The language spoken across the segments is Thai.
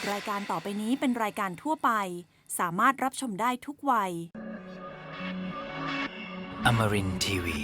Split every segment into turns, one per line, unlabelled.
รายการต่อไปนี้เป็นรายการทั่วไปสามารถรับชมได้ทุกวัย
Amarin Tiwi.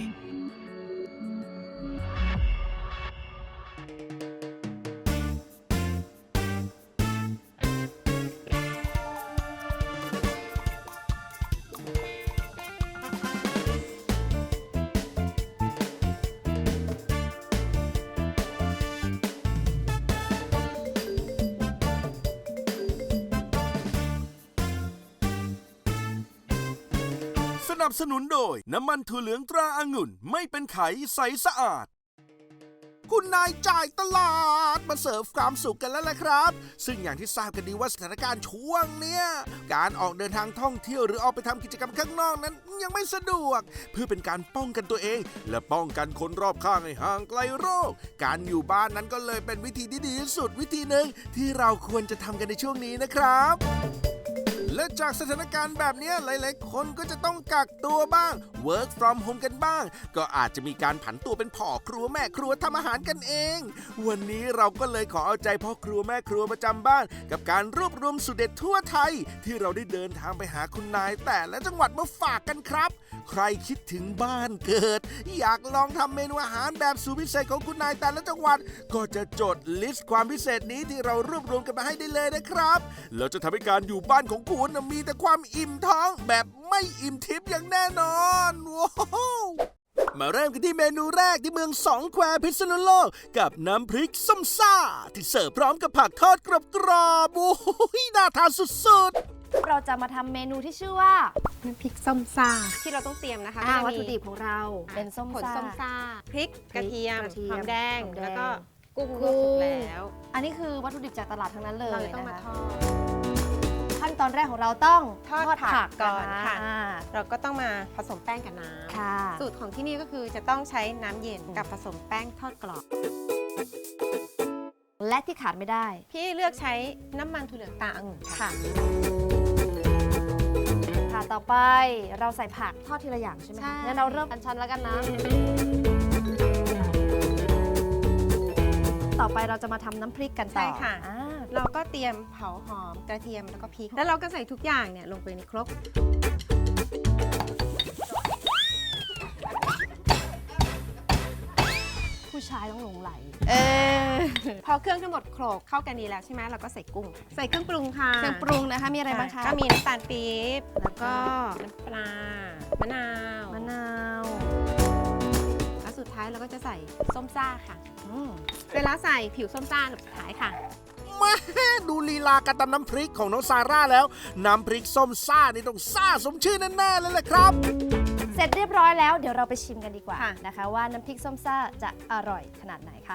สนับสนุนโดยน้ำมันถั่วเหลืองตราองุ่นไม่เป็นไขใสสะอาดคุณนายจ่ายตลาดมาเสิร์ฟความสุขกันแล้วล่ะครับซึ่งอย่างที่ทราบกันดีว่าสถานการณ์ช่วงเนี้ยการออกเดินทางท่องเที่ยวหรือออกไปทำกิจกรรมข้างนอกนั้นยังไม่สะดวกเพื่อเป็นการป้องกันตัวเองและป้องกันคนรอบข้างให้ห่างไกลโรคการอยู่บ้านนั้นก็เลยเป็นวิธีที่ดีที่สุดวิธีหนึ่งที่เราควรจะทำกันในช่วงนี้นะครับและจากสถานการณ์แบบนี้หลายๆคนก็จะต้องกักตัวบ้าง work from home กันบ้างก็อาจจะมีการผันตัวเป็นพ่อครัวแม่ครัวทำอาหารกันเองวันนี้เราก็เลยขอเอาใจพ่อครัวแม่ครัวประจำบ้านกับการรวบรวมสูตรเด็ดทั่วไทยที่เราได้เดินทางไปหาคุณนายแต่ละจังหวัดมาฝากกันครับใครคิดถึงบ้านเกิดอยากลองทำเมนูอาหารแบบสูตรพิเศษของคุณนายแต่ละจังหวัดก็จะจดลิสต์ความพิเศษนี้ที่เรารวบรวมกันมาให้ได้เลยนะครับแล้วจะทำให้การอยู่บ้านของคุณมีแต่ความอิ่มท้องแบบไม่อิ่มทิพย์อย่างแน่นอนว้าวมาเริ่มกันที่เมนูแรกที่เมืองสองแควพิษณุโลกกับน้ำพริกส้มซ่าที่เสิร์ฟพร้อมกับผักทอดกรอบๆโอ้โหน่าทานสุดๆ
เราจะมาทำเมนูที่ชื่อว่า
น้ำพริกส้มซ่าที่เราต้องเตรียมนะคะก็จะมี
วัตถุดิบของเราเป็นส้ม
ผล
ซ่า
ส้มซ่าพริกกระเทียม
กระเทียม
หอมแดง
หอมแดง
แล้วก็กุ้งลวกสุกแล้ว
อันนี้คือวัตถุดิบจากตลาดทั้งนั้นเลย
เราจะต้องมา
นะคะ
ทอด
ขั้นตอนแรกของเราต้อง
ทอดผักก่อน
นะ
ค่ะ
อ่า
เราก็ต้องมาผสมแป้งกับน้
ค่ะ
ำสูตรของที่นี่ก็คือจะต้องใช้น้ำเย็นกับผสมแป้งทอดกรอบ
และที่ขาดไม่ได้
พี่เลือกใช้น้ำมันถั่วเหลืองตาองุ่นค่ะ
ค่ะต่อไปเราใส่ผักทอดทีละอย่างใช่ไหม
ใช่
งั้นเราเริ่มอันชันแล้วกันนะ ต่อไปเราจะมาทำน้ำพริกกันต่อ
ใช่ค่ะ
อ่า
เราก็เตรียมเผาหอมกระเทียมแล้วก็พริกแล้วเราก็ใส่ทุกอย่างเนี่ยลงไปในครก
ผู้ชายต้องหลงไหล
พอเครื่องทั้งหมดโขลกเข้ากันดีแล้วใช่ไหมเราก็ใส่กุ้ง ใส่เครื่องปรุงค่ะ
เครื่องปรุงนะคะมีอะไรบ้างคะ
ก็มีน้ำตาลปี๊บแล้วก็น้ำปลามะนาว
มะนาว
แล้วสุดท้ายเราก็จะใส่ส้มซ่าค่ะ
อืม
เวลาใส่ผิวส้มซ่าหลับสุดท้ายค่ะ
แม่ดูลีลาการตำน้ำพริกของน้องซาร่าแล้วน้ำพริกส้มซ่านี่ต้องซ่าสมชื่อแน่ๆเลยแหละครับ
เสร็จเรียบร้อยแล้วเดี๋ยวเราไปชิมกันดีกว่า
ค่ะ
นะคะว่าน้ำพริกส้มซ่าจะอร่อยขนาดไหนค่ะ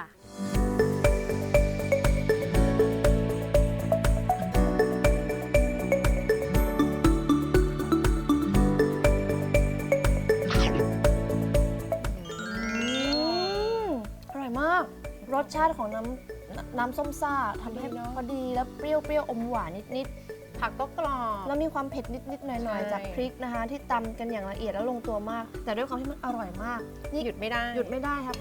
อร่อยมาก รสชาติของน้ำส้มซ่าทำให้พอดีแล้วเปรี้ยวอมหวานนิด
ผักก็กรอบ
ๆแล้วมีความเผ็ดนิดๆหน่อย
ใช่
ๆจากพริกนะคะ ที่ตำกันอย่างละเอียดแล้วลงตัวมาก แต่ด้วยความที่มันอร่อยมากนี่
หยุดไม่ได้
หยุดไม่ได้ครับ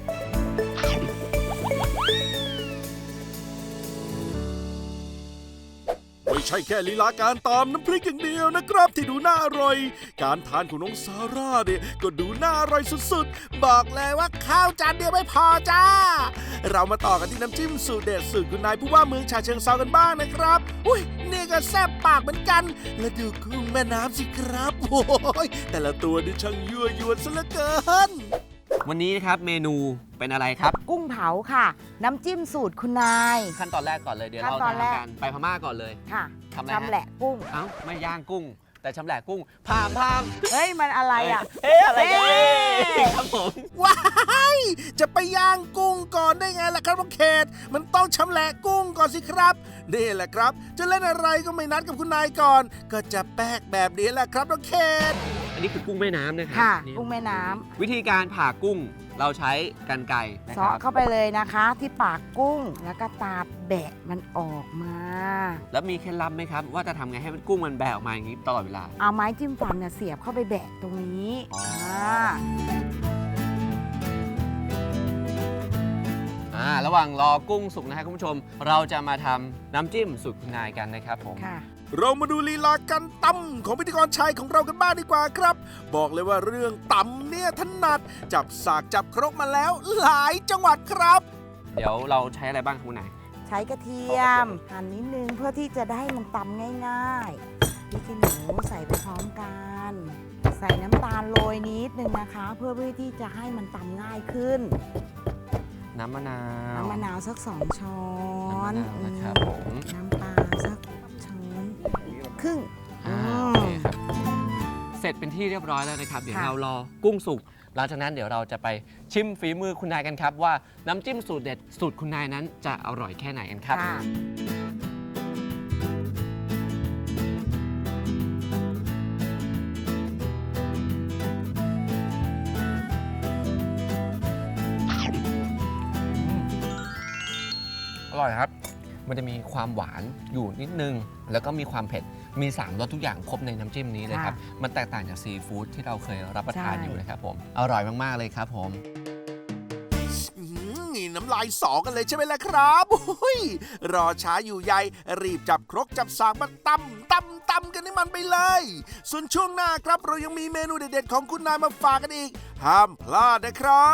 ไม่ใช่แค่ลีลาการตามน้ำพริกอย่างเดียวนะครับที่ดูน่าอร่อย การทานของน้องซาร่าเนี่ยก็ดูน่าอร่อยสุดๆ บอกเลยว่าข้าวจานเดียวไม่พอจ้า เรามาต่อกันที่น้ำจิ้มสูตรเด็ดสูตรคุณนายผู้ว่าเมืองฉะเชิงเทรากันบ้างนะครับอุ้ยนี่ก็แซ่บปากเหมือนกัน และดูกุ้งแม่น้ำสิครับโอ้ยแต่ละตัวนี่ช่างยั่วยวนซะเหลือเกิน
วันนี้นะครับเมนูเป็นอะไรครับ
กุ้งเผาค่ะ น้ำจิ้มสูตรคุณนาย
ขั้นตอนแรกก่อนเลยเดี๋ยว
ขั้น
เรา
ตอ
จะ
นแรก
ทำการไปพม่าก่อนเลย
ค่ะ
ทำอะไรฮะ
ชำแหละกุ้ง
เอ้าไม่ย่างกุ้ง แต่ชำแหละกุ้งพาม
เฮ้ย มันอะไรอ่ะ
เอ๊ะอะไรกัน
เอ๊ะ
ครับผม
ว้ายจะไปย่างกุ้งก่อนได้ไงล่ะครับน้องเขตมันต้องชำแหละกุ้งก่อนสิครับนี่แหละครับ จะเล่นอะไรก็ไม่นัดกับคุณนายก่อน ก็จะแป๊กแบบนี้แหละครับน้องเขต
อันนี้คือกุ้งแม่น้ำนะครั
ค่ะ
นี่
กุ้งแม่น้
วิธีการผ่ากุ้งเราใช้กรรไกรนะ
ำ
ครั
เซาะ
บ
เข้าไปเลยนะคะ ที่ปากกุ้ง แล้วก็ตาแบะมันออกมา
แล้วมีเคล็ดลับไหมครับ ว่าจะทำไงให้มันกุ้งมันแบะออกมาอย่างนี้ตลอดเวลา
เอาไม้จิ้มฟันเนี่ยเสียบเข้าไปแบะตรงนี้
อ๋อ
า
ระหว่างรอกุ้งสุกนะครับคุณผู้ชมเราจะมาทำน้ำจิ้มสูตรคุณนายกันนะครับผม
ค่ะ
เรามาดูลีลาการตำของพิธีกรชายของเรากันบ้างดีกว่าครับ บอกเลยว่าเรื่องตำเนี่ยถนัดจับสากจับครกมาแล้วหลายจังหวัดครับ
เดี๋ยวเราใช้อะไรบ้างครับคุณนาย
ใช้กระเทียมหั่นนิดนึงเพื่อที่จะได้มันตำง่ายๆพริกขี้หนูใส่ไปพร้อมกัน ใส่น้ำตาลโรยนิดนึงนะคะ เพื่อที่จะให้มันตำง่ายขึ้น
น้ำมะนาว
น้ำมะนาวสัก2 ช้อน
น้ำมะนาวนะครับผม
น้ำปลาสักช้อนครึ่ง
โอเคครับเสร็จเป็นที่เรียบร้อยแล้วนะครับเดี๋ยวเรารอกุ้งสุกหลังจากนั้นเดี๋ยวเราจะไปชิมฝีมือคุณนายกันครับว่าน้ำจิ้มสูตรเด็ดสูตรคุณนายนั้นจะอร่อยแค่ไหนกันครับ
ค่ะ
อร่อยครับ มันจะมีความหวานอยู่นิดนึง แล้วก็มีความเผ็ด มี3รสทุกอย่างครบในน้ำจิ้มนี้เลยครับ มันแตกต่างจากซีฟู้ดที่เราเคยรับประทานอยู่นะครับผม อร่อยมากๆเลยครับผม
นี่น้ำลายสอกันเลยใช่ไหมล่ะครับอุ้ยรอช้าอยู่ใยรีบจับครกจับสากมาตำกันให้มันไปเลย ส่วนช่วงหน้าครับเรายังมีเมนูเด็ดๆของคุณนายมาฝากกันอีก ห้ามพลาดนะครับ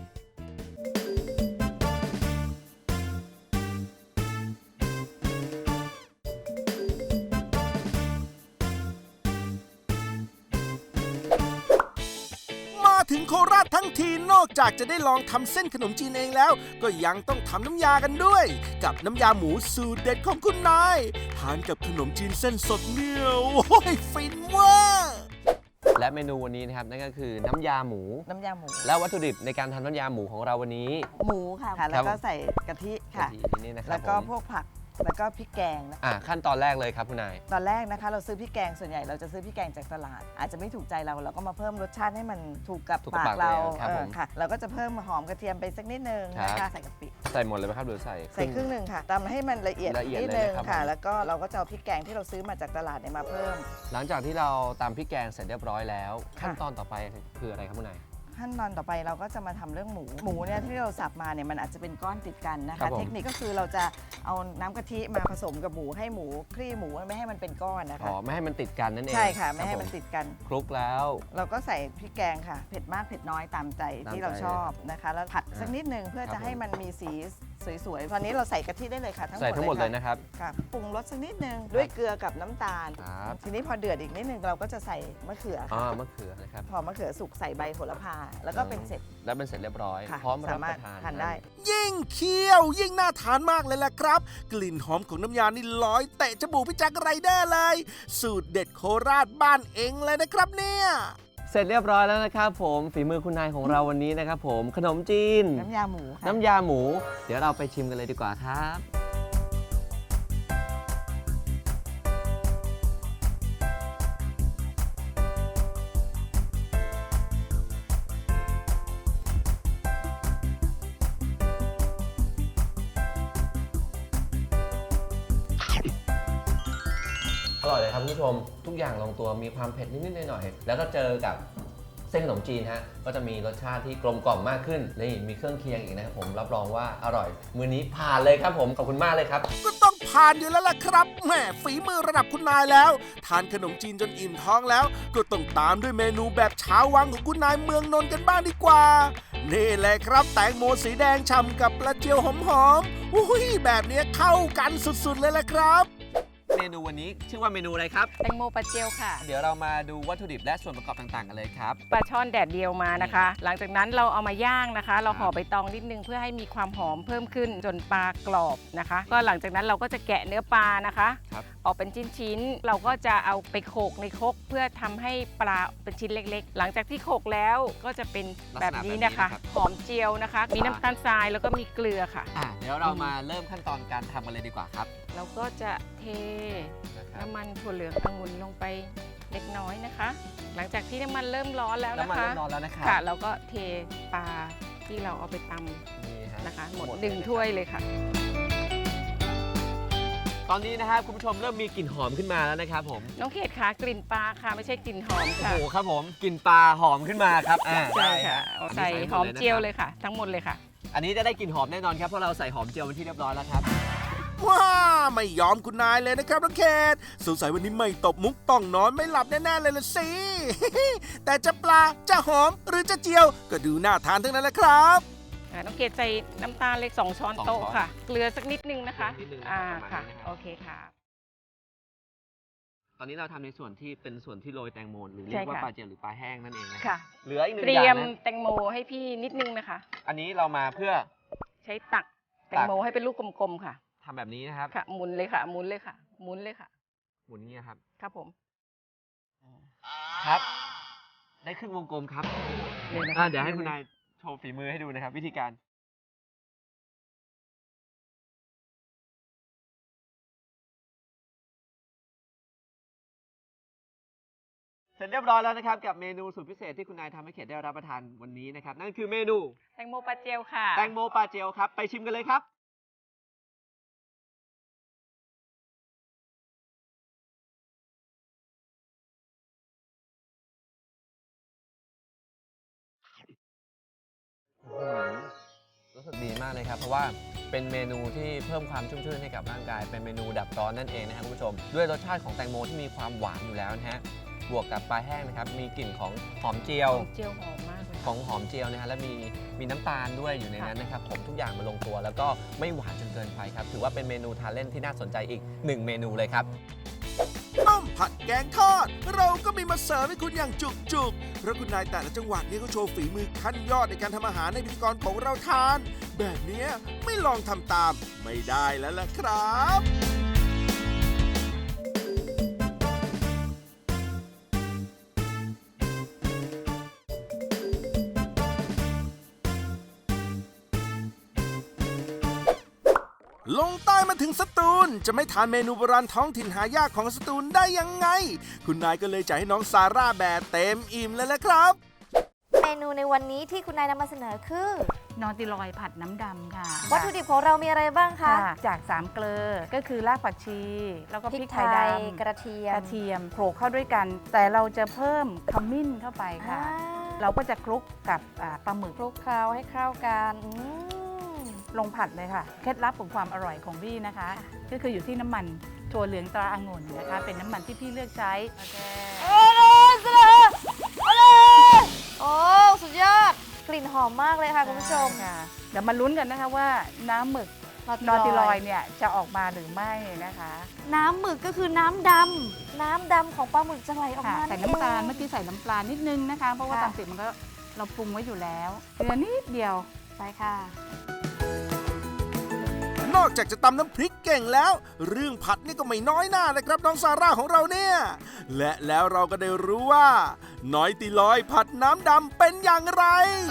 มาถึงโคราชทั้งทีนอกจากจะได้ลองทำเส้นขนมจีนเองแล้ว ก็ยังต้องทำน้ำยากันด้วย กับน้ำยาหมูสูตรเด็ดของคุณนายทานกับขนมจีนเส้นสดเนี่ยโอ้ยฟินเว่า
และเมนูวันนี้นะครับนั่นก็คือน้ำยาหมู
น้ำยาหมู
และวัตถุดิบในการทำน้ำยาหมูของเราวันนี้
หมูค่ะ แล้วก็ใส่กะทิค่ะ
กะทินี่นะครับ
แล้วก็
ผม
พวกผัก แล้วก็พริกแกงนะ
ขั้นตอนแรกเลยครับคุณนาย
ตอนแรกนะคะเราซื้อพริกแกงส่วนใหญ่เราจะซื้อพริกแกงจากตลาด อาจจะไม่ถูกใจเราก็มาเพิ่มรสชาติให้มันถูกกับ
ถูกกับ
ปากเรา
ปากเลยครับผม
ค่ะเราก็จะเพิ่มหอมกระเทียมไปสักนิดนึง
ครับ
นะคะใส่กะปิ
ใส่หมดเลยไหมครับหรือใส่
ใส่ครึ่งหนึ่งค่ะตำให้มันละเอียด
ละเอียด
นิด
เลย
นึง
นะครับ
ค่ะ
ผม
แล้วก็เราก็จะเอาพริกแกงที่เราซื้อมาจากตลาดเนี่ยมาเพิ่ม
หลังจากที่เราตำพริกแกงเสร็จเรียบร้อยแล้ว
ค่ะ
ขั้นตอนต่อไปคืออะไรครับคุณนาย
ขั้นตอนต่อไปเราก็จะมาทำเรื่องหมูเนี่ยที่เราสับมาเนี่ยมันอาจจะเป็นก้อนติดกันนะ
ครั
คะ
บผม
เทคนิคก็คือเราจะเอาน้ำกะทิมาผสมกับหมูให้หมูคลี่หมูไม่ให้มันเป็นก้อนนะคะ
ไม่ให้มันติดกันนั่นเอง
ใช่ค่ะไม่ให้
รับ
มัน
ผ
ติดกัน
คลุกแล้ว
เราก็ใส่พริกแกงค่ะ เผ็ดมากเผ็ดน้อยตามใจที่เราชอบนะคะ แล้วผัดสักนิดนึงเพื่อ
ครั
จะ
บ
ให้มันมีสีสวยๆตอนนี้เราใส่กะทิได้เลยค่ะทั้งหม
ใส่
ด
ทั้งหมดเลย
ค่ะ
นะครับ
ค่ะปรุงรสสักนิดนึงด้วยเกลือกับน้ำตาล
ครับ
ทีนี้พอเดือดอีกนิดนึงเราก็จะใส่มะเขือ
อ๋อ
ค่ะ
มะเขือนะครับ
พอมะเขือสุกใส่ใบโหระพาแล้วก็เป็นเสร็จ
แล้วเป็นเสร็จเรียบร้อย
ค่ะ
พร้อมรับ
สามารถ
ประทาน
ทานได้
ยิ่งเคี่ยวยิ่งน่าทานมากเลยล่ะครับ กลิ่นหอมของน้ำยานี่ลอยเตะจมูกพี่แจ็คไรเดอร์เลย สูตรเด็ดโคราชบ้านเองเลยนะครับเนี่ย
เสร็จเรียบร้อยแล้วนะครับผมฝีมือคุณนายของเราวันนี้นะครับผมขนมจีน
น้ำยาหมูค่ะ
น้ำยาหมู เดี๋ยวเราไปชิมกันเลยดีกว่าครับ อร่อยเลยครับคุณผู้ชมทุกอย่างลงตัวมีความเผ็ดนิดๆหน่อยๆแล้วก็เจอกับเส้นขนมจีนฮะก็จะมีรสชาติที่กลมกล่อมมากขึ้นนี่มีเครื่องเคียงอีกนะครับผมรับรองว่าอร่อยมื้อนี้ผ่านเลยครับผมขอบคุณมากเลยครับ
ก็ต้องผ่านอยู่แล้วล่ะครับแหมฝีมือระดับคุณนายแล้ว ทานขนมจีนจนอิ่มท้องแล้ว ก็ต้องตามด้วยเมนูแบบชาววังของคุณนายเมืองนนท์กันบ้างดีกว่า นี่แหละครับแตงโมสีแดงฉ่ำกับปลาเจียวหอมๆอุ้ยแบบเนี้ยเข้ากันสุดๆเลยแหละครับ
เมนูวันนี้ชื่อว่าเมนูอะไรครับ
แตงโมปลาเจียวค่ะ
เดี๋ยวเรามาดูวัตถุดิบและส่วนประกอบต่างๆกันเลยครับ
ปลาช่อนแดดเดียวมานะคะ หลังจากนั้นเราเอามาย่างนะคะ เราห่อใบตองนิดนึงเพื่อให้มีความหอมเพิ่มขึ้นจนปลากรอบนะคะ ก็หลังจากนั้นเราก็จะแกะเนื้อปลานะคะ
ครับ
ออกเป็นชิ้นๆเราก็จะเอาไปโขลกในครกเพื่อทำให้ปลาเป็นชิ้นเล็กๆ หลังจากที่โขลกแล้วก็จะเป็นแบบนี้นะคะ หอมเจียวนะคะ มีน้ำตาลทรายแล้วก็มีเกลือค่ะ
เดี๋ยวเรามาเริ่มขั้นตอนการทำกันเลยดีกว่าครับ
เราก็จะเท
นะครับ
น้ำมันถั่วเหลืององุ่นลงไปเล็กน้อยนะคะ หลังจากที่น้ำมันเริ่มร้อนแล้ว
น้ำ
นะ
มัน
คะ
เริ่มร้อนแล้วนะครับ
ค่ะเราก็เทปลาที่เราเอาไปต
นี่ฮ
ำนะคะ หมด
เลย
หนึ่งถ้วยเลยค่ะ
ตอนนี้นะครับคุณผู้ชมเริ่มมีกลิ่นหอมขึ้นมาแล้วนะครับผม
น้องเขตคะกลิ่นปลาค่ะไม่ใช่กลิ่นหอม
โอ้
ค่ะ
โหครับผมกลิ่นปลาหอมขึ้นมาครับ
ใช่ค่ะ
อันนี้
ใส่
ใส่
หอม
ดนะ
เจียว
ครับ
เลยค่ะ ทั้งหมดเลยค่ะ
อันนี้จะได้กลิ่นหอมแน่นอนครับเพราะเราใส่หอมเจียวเป็นที่เรียบร้อยแล้วครับ
ว้าไม่ยอมคุณนายเลยนะครับน้องเขตสงสัยวันนี้ไม่ตบมุกต้องนอนไม่หลับแน่ๆเลยละสิ แต่จะปลาจะหอมหรือจะเจียวก็ดูน่าทานทั้งนั้นแหละครับ
น้องเกดใส่น้ำตาลเล็ก2 ช้อนโต๊ะ
2 ช้อน
ค่ะ เกลือสักนิดนึงนะคะ
นิดนึงนะครับประมาณ
ค่ะ
นี้นะครับ
โอเคค่ะ
ตอนนี้เราทำในส่วนที่เป็นส่วนที่โรยแตงโมหรือเรี
ใช่
ยกว่า
ค่ะ
ปลาเจียวหรือปลาแห้งนั่นเองนะ
ค่ะ
เหลืออีกหนึ่
เต
ง
รี
อย ย่าง
ม
นะ
แตงโมให้พี่นิดนึงนะคะ
อันนี้เรามาเพื่อ
ใช้ตักแตงโมให้เป็นลูกกลมๆค่ะ
ทำแบบนี้นะครับ
ค่ะ หมุนเลยค่ะ หมุนเลยค่ะ หมุนเลยค่ะ
หมุนอย่างนี้ครับ
ครับผม
ครับ ได้ครึ่งวงกลมครับ
เลยนะคะ
เดี๋ยวให้คุณนายโชว์ฝีมือให้ดูนะครับ วิธีการ เสร็จเรียบร้อยแล้วนะครับกับเมนูสุดพิเศษที่คุณนายทำให้เขตได้รับประทานวันนี้นะครับนั่นคือเมนู
แตงโมปลาเจลค่ะ
แตงโมปลาเจลครับไปชิมกันเลยครับรู้สึกดีมากเลยครับเพราะว่าเป็นเมนูที่เพิ่มความชุ่มชื่นให้กับร่างกายเป็นเมนูดับร้อนนั่นเองนะครับคุณผู้ชมด้วยรสชาติของแตงโมที่มีความหวานอยู่แล้วนะฮะบวกกับปลาแห้งนะครับมีกลิ่นของหอมเจียว
เจลหอมมากเลย
ของหอมเจียวนะฮะและมีน้ำตาลด้วยอยู่ในนั้นนะครับผมทุกอย่างมาลงตัวแล้วก็ไม่หวานจนเกินไปครับถือว่าเป็นเมนูทานเล่นที่น่าสนใจอีก1เมนูเลยครับ
ต้มผัดแกงทอด เราก็มีมาเสิร์ฟให้คุณอย่างจุกๆ เพราะคุณนายแต่ละจังหวัดนี่ก็โชว์ฝีมือขั้นยอดในการทำอาหารให้พิธีกรของเราทาน แบบเนี้ยไม่ลองทำตามไม่ได้แล้วล่ะครับ ลงใต้มาถึงสตูลจะไม่ทานเมนูโบราณท้องถิ่นหายากของสตูลได้ยังไง คุณนายก็เลยจ่ายให้น้องซาร่าแบบเต็มอิ่มเลยแหละครับ
เมนูในวันนี้ที่คุณนายนำมาเสนอคือน
อติลอยผัดน้ำดำค่ะ
วัตถุดิบของเรามีอะไรบ้างคะ
จาก3เกลือก็คือรากผักชี แล้วก็
พ
พ
ริ
ริ
ก
ก
ไท
ไทย
ย
ดำ
กระเทีย
ก
ม
ระเทียมโขลกเข้าด้วยกัน แต่เราจะเพิ่มขมิ้นเข้าไปค่ะ เราก็จะคลุกกับปลาหมึก
คลุกเคล้าให้เข้ากัน
ลงผัดเลยค่ะเคล็ดลับของความอร่อยของพี่นะคะ ก็คืออยู่ที่น้ำมันถั่วเหลืองตราองุ่นนะคะ เป็นน้ำมันที่พี่เลือกใช้โอเค
โอ้สุดยอด กลิ่นหอมมากเลยค่ะคุณผู้ชม
ค่ะเดี๋ยวมาลุ้นกันนะคะว่าน้ำหมึกนอติลอยเนี่ยจะออกมาหรือไม่นะคะ
น้ำหมึกก็คือน้ำดำน้ำดำของปลาหมึกจะไหลออก
ค่ะ
มา
ใส่น้ำตาล
เอง
เมื่อกี้ใส่น้ำปลานิดนึงนะคะ เพราะว่า
ค่ะ
ตามติดมันก็เราปรุงไว้อยู่แล้วเกลือนิดเดียว
ไปค่ะ
นอกจากจะตำน้ำพริกเก่งแล้ว เรื่องผัดนี่ก็ไม่น้อยหน้านะครับน้องซาร่าของเราเนี่ย และแล้วเราก็ได้รู้ว่า น้อยติลอยผัดน้ำดำเป็นอย่างไร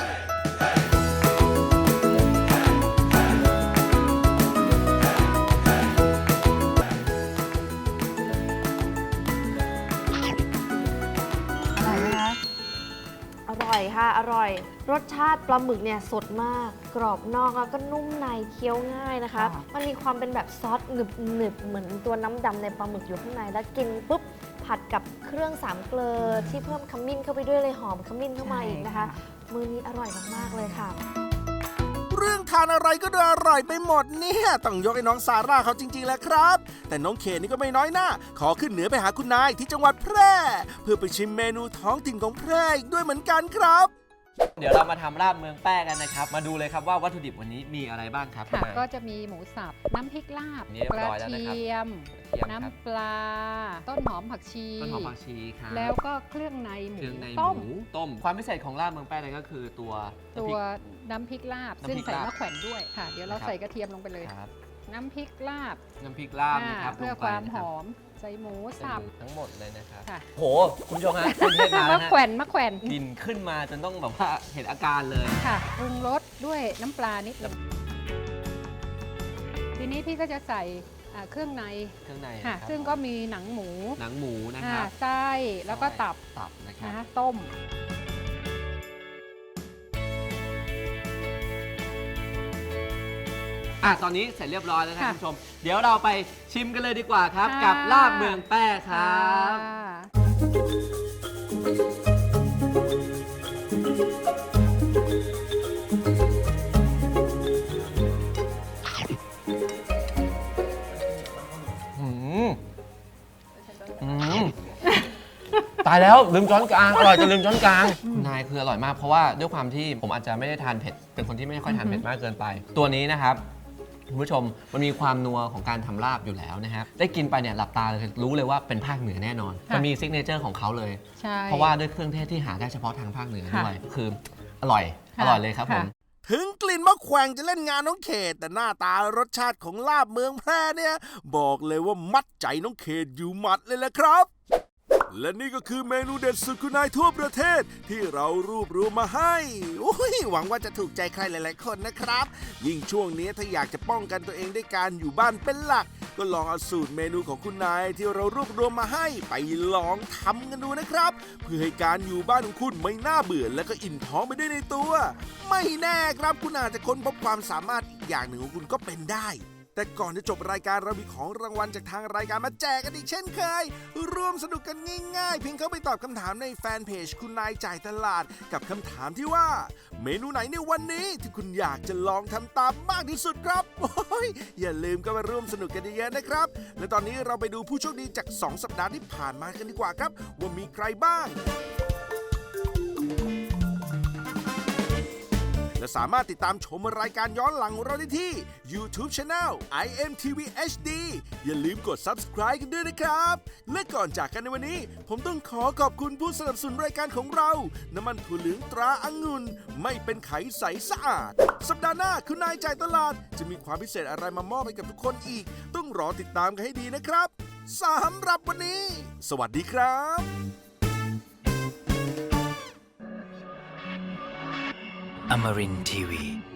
อร่อยค่ะ อร่อย รสชาติปลาหมึกเนี่ยสดมาก กรอบนอกแล้วก็นุ่มในเคี้ยวง่ายนะคะ
ค่ะ
มันมีความเป็นแบบซอสหนึบๆเหมือนตัวน้ำดำในปลาหมึกอยู่ข้างในแล้วกินปุ๊บผัดกับเครื่องสามเกลือที่เพิ่มขมิ้นเข้าไปด้วยเลยหอมขมิ้นเข้ามาอีกนะคะ มื้อนี้อร่อยมากๆเลยค่ะ
เรื่องทานอะไรก็ดูอร่อยไปหมดเนี่ยต้องยกให้น้องซาร่าเขาจริงๆแหละครับ แต่น้องเขตนี่ก็ไม่น้อยหน้า ขอขึ้นเหนือไปหาคุณนายที่จังหวัดแพร่ เพื่อไปชิมเมนูท้องถิ่นของแพร่อีกด้วยเหมือนกันครับ
เดี๋ยวเรามาทำลาบเมืองแป้กันนะครับมาดูเลยครับว่าวัตถุดิบวันนี้มีอะไรบ้างครับ
ค่ะ
คุณนาย
ก็จะมีหมูสับ น้ำพริกลาบ
นี่เรียบ
กระ
ร้อยแล้วนะครับ
เทียม
กระเทียมครับ
น้ำปลา ต้นหอมผักชี
ต้นหอมผักชีครับ
แล้วก็เครื่องในหมู
เครื่องในห
ต้ม
มูต้มความพิเศษของลาบเมืองแป้นั่นก็คือตัว
ตัวน้ำพริกลาบ
น้ำพริก
ซึ่งใส่
ลาบ
มะแขวนด้วยค่ะ เดี๋ยวเรา
นะครับ
ใส่กระเทียมลงไปเลย
ครับ
น้ำพริกลาบ
น้ำพริกลาบนะครับ
เพื่อ
ลงไป
ความ
นะ
ห
รับ
อม ใส่หมู
ใส่
สับ
หมูทั้งหมดเลยนะครับ
ค่ะ
โหคุณผู้ชมฮะคุณเทศมาแล้ว
มะ
ฮะ
แขวนมะแขวน
กลิ่นขึ้นมาจนต้องแบบว่าเห็นอาการเลย
ค่ะปรุงรสด้วยน้ำปลานิดหนึงทีนี้พี่ก็จะใส่เครื่องใน
เครื่องใน
ค่ะ
นะครับ
ซึ่งก็มีหนังหมู
หนังหมูนะครับ
ไส้แล้วก็ตับ
ตับนะครับ
นะคะต้ม
ตอนนี้เสร็จเรียบร้อยแล้วนะ
ค่ะ
คุณผู้ชม เดี๋ยวเราไปชิมกันเลยดีกว่าครับ
ค่ะ
กับลาบเมืองแป้ครับ
ค่ะ
ายแล้วลืมช้อนกลางอร่อยจนลืมช้อนกลางคุณนายคืออร่อยมากเพราะว่าด้วยความที่ผมอาจจะไม่ได้ทานเผ็ดเป็นคนที่ไม่ค่อยทานเผ็ดมากเกินไป ตัวนี้นะครับคุณผู้ชมมันมีความนัวของการทำลาบอยู่แล้วนะครับได้กินไปเนี่ยหลับตาเลยรู้เลยว่าเป็นภาคเหนือแน่นอนมันมีซิกเนเจอร์ของเขาเลย
ใช่
เพราะว่าด้วยเครื่องเทศที่หาได้เฉพาะทางภาคเหนือด้วยคืออร่อยเลยครับผม
ถึงกลิ่นมะแขวงจะเล่นงานน้องเขตแต่หน้าตารสชาติของลาบเมืองแพร่เนี่ยบอกเลยว่ามัดใจน้องเขตอยู่หมัดเลยแหละครับ และนี่ก็คือเมนูเด็ดสุดคุณนายทั่วประเทศที่เรารวบรวมมาให้หวังว่าจะถูกใจใครหลายๆคนนะครับยิ่งช่วงนี้ถ้าอยากจะป้องกันตัวเองด้วยการอยู่บ้านเป็นหลักก็ลองเอาสูตรเมนูของคุณนายที่เรารวบรวมมาให้ไปลองทำกันดูนะครับเพื่อให้การอยู่บ้านของคุณไม่น่าเบื่อและก็อิ่มท้องไปด้วยในตัว ไม่แน่ครับคุณอาจจะค้นพบความสามารถอีกอย่างหนึ่งของคุณก็เป็นได้แต่ก่อนจะจบรายการเรามีของรางวัลจากทางรายการมาแจกกันอีกเช่นเคยร่วมสนุกกันง่ายๆเพียงเข้าไปตอบคำถามในแฟนเพจคุณนายจ่ายตลาดกับคำถามที่ว่าเมนูไหนในวันนี้ที่คุณอยากจะลองทำตามมากที่สุดครับอย่าลืมก็มาร่วมสนุกกันเยอะๆนะครับและตอนนี้เราไปดูผู้โชคดีจาก2 สัปดาห์ที่ผ่านมากันดีกว่าครับว่ามีใครบ้างและสามารถติดตามชมรายการย้อนหลังของเราได้ที่ YouTube Channel IMTV HD อย่าลืมกด Subscribe กันด้วยนะครับและก่อนจากกันในวันนี้ผมต้องขอขอบคุณผู้สนับสนุนรายการของเราน้ำมันถั่วเหลืองตราองุ่นไม่เป็นไขใสสะอาดสัปดาห์หน้าคุณนายจ่ายตลาดจะมีความพิเศษอะไรมามอบให้กับทุกคนอีกต้องรอติดตามกันให้ดีนะครับสำหรับวันนี้ สวัสดีครับ
Amarin Tiwi.